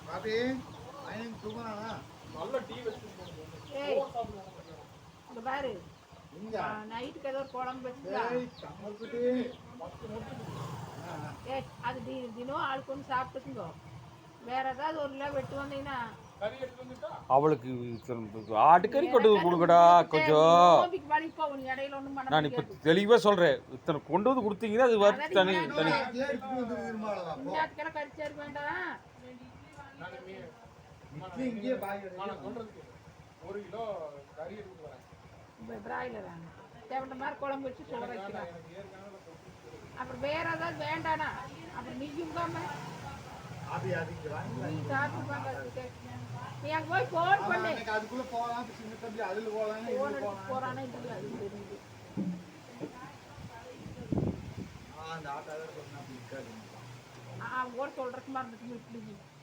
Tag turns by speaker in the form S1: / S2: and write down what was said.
S1: பாப்பி ஐயன் தூங்குறானா
S2: நல்ல டீ வச்சு
S3: ஏய் இங்க பாரு நைட்டுக்கு ஏதோ ஒரு குழம்பு வச்சுதா ஏய் அது தினம் ஆளுக்கு ஒன்று சாப்பிட்டுக்குங்க வேற ஏதாவது ஒரு கிலோ வெட்டு வந்தீங்கன்னா
S4: அவளுக்கு ஆட்டுக்கறி கொண்டு வந்து கொடுக்கடா கொஞ்சம்.
S3: இடையில ஒன்றும் பண்ண
S4: நான் இப்போ தெளிவாக சொல்கிறேன், இத்தனை கொண்டு வந்து கொடுத்தீங்கன்னா அது வறுத்து தனி தனி.
S3: இஞ்சாத்துக்கெல்லாம் கடிச்சாரு வேண்டாம்.
S2: ஒரு கிலோ கறி எடுத்து வரேன்.
S3: பிராய்லரா தேவையான மாதிரி குழம்பு வச்சு சோறு வைக்கிறாங்க. அப்புறம் வேற ஏதாவது வேண்டானா அப்புறம் நீயுங்காம நீ சாப்பிட்டு நீ அங்கே போய் ஃபோன் பண்ணு.
S1: அதுக்குள்ள போகலாம், சின்ன தம்பி அதில் போகலாம்,
S3: ஃபோன் எடுத்து போகிறானே இல்லை அது தெரியுது.
S1: அந்த ஆட்டாவே சொன்னா இருக்காது.
S3: கூட சொல்கிறதுக்கு மாதிரி இருந்துச்சு இப்படி